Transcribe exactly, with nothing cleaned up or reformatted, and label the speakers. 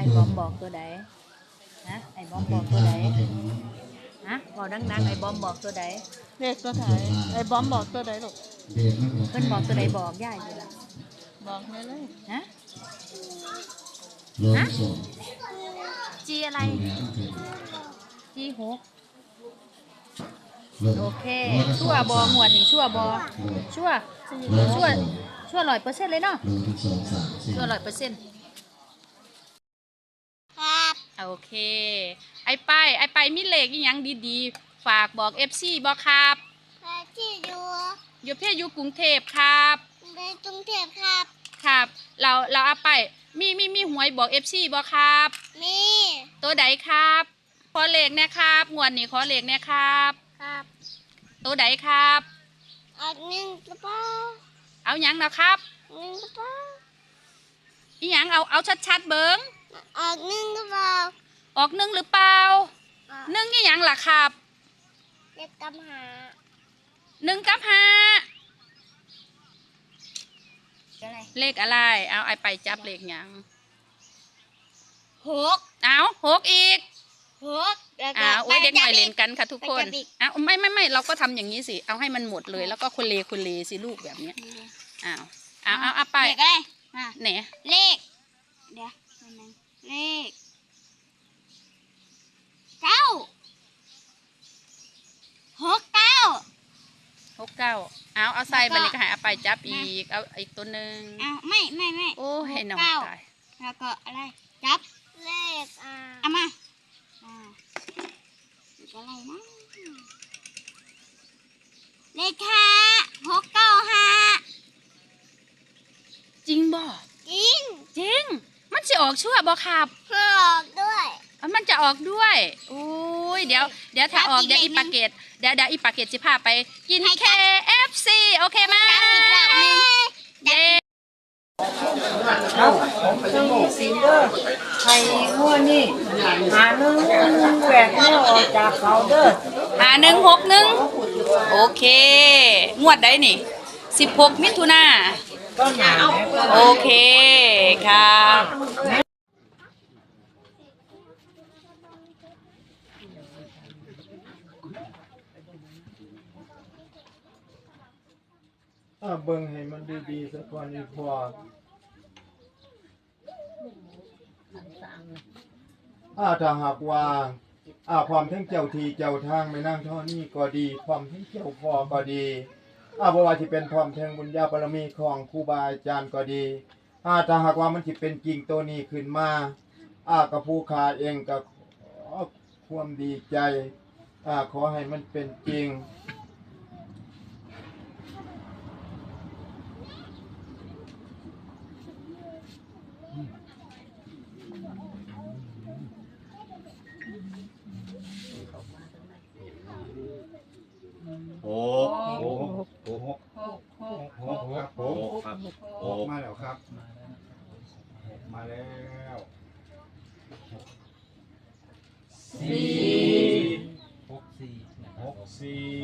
Speaker 1: อ้บอมบอกตัวใดฮะไอ้บอมบอกตัวใดฮะบอกดังๆไอ้บอมบอกตัวใด
Speaker 2: เลขตัวไหนไอ้บอมบอกตัวไหนลูก
Speaker 1: เพิ่นบอกตัวใดบอกย่ายอยู่ล่ะ
Speaker 2: บอกเลยเลย
Speaker 1: ฮะฮะจีอะไรจีหกโอเคชั่วบอหวดนี่ชั่วบอชั่วชั่วชั่วร้อยเปอร์เซ็นต์เลยเนาะชั่วร้อยเปอร์เซ็นต์
Speaker 2: ครับ
Speaker 1: โอเคไอ้ไปไอ้ไปมีเลขอีหยังดีๆฝากบอกเอฟซีบอกครับ
Speaker 2: ที่อยู่
Speaker 1: อยู่เพียอยู่กรุงเทพครับ
Speaker 2: ในกรุงเทพครับ
Speaker 1: ครับเราเราเอาไปมีมีมีหวยบอกเอฟซีบอกครับ
Speaker 2: มี
Speaker 1: ตัวใดครับขอเลขเนี่ยครับงวดนี้ขอเลขเนี่ยครับ
Speaker 2: ครับ
Speaker 1: ตัวใดครับ
Speaker 2: ออกหนึ่งกระเป๋า
Speaker 1: เอาหยังนะครับ
Speaker 2: หนึ่งกระเป๋า
Speaker 1: อีหยังเอาเอาชัดๆเบิ้ง
Speaker 2: ออกหนึ่งกระเป๋า
Speaker 1: ออกหนึ่งหรือเปล่าหนึ่งอีหยังล่ะครับ
Speaker 2: เลขกำหา
Speaker 1: หนึ่งกับห้าเลขอะไรเอาไอไปจับเลขหยัง
Speaker 2: หก
Speaker 1: เอาหกอีก
Speaker 2: หก
Speaker 1: อ้าวโอ้ยเด็กหน่อยเล่นกันค่ะทุกคนอ้าวไม่ไม่ไม่เราก็ทำอย่างนี้สิเอาให้มันหมดเลยแล้วก็คนเลคนเลสิลูกแบบเนี้ยอ้าวเอาเอาเอาไป
Speaker 2: เลขอะไร
Speaker 1: ไหน
Speaker 2: เลขเดี๋ยวเลขเก้าหกเก้า
Speaker 1: หกเก้าเอาเอาใส่บันนี้ก็หายเอาไปจับอีกเอาอีกตัวหนึ่ง
Speaker 2: เอาไม่ไม่ไม่
Speaker 1: โอ้ให้น้องตาย
Speaker 2: แล้วก็อะไรจับเลขอ่าเอามาอ่าอะไรนะเลขห้าหกเก้าห้า
Speaker 1: จริงบ่
Speaker 2: จริง
Speaker 1: จริงมันจะออกชั่วบ่ครับ
Speaker 2: ออกด้วย
Speaker 1: มันจะออกด้วยอุ้ยเดี๋ยวเดี๋ยวถ้าออกเดี๋ยวอีปาเกตเดี๋ยวเดี๋ยวอีปาเกตจะพาไปกิน เค เอฟ ซี โอเคไหมเย้
Speaker 3: ครับผมไปยังสีเด้อไข่งัวนี่หาหนึ่งแหวกเนื้อออกจากเขาเด้อ
Speaker 1: หาหนึ่งหกหนึ่งโอเคงวดได้นี่สิบหกมิถุนาโอเคครับ
Speaker 4: อ่าเบิ่งให้มันดีๆสักวันนี้พออ่าถ้าหากว่าอ่าความทั้งเจ้าทีเจ้าทางไม่นั่งเท่านี้ก็ดีความทั้งเจ้าพ่อก็ดีอ่าบ่ว่าสิเป็นความแทงบุญญาบารมีของครูบาอาจารย์ก็ดีอ่าถ้าหากว่ามันสิเป็นจริงตัวนี้ขึ้นมาอ่ากับผู้ขาเองก็ขอความดีใจอ่าขอให้มันเป็นจริง
Speaker 5: โอ้โหโอ้โหโอ้โหครับผมครับโอ้มาแล้วครับมาแล้วสี่หกสี่หกสี่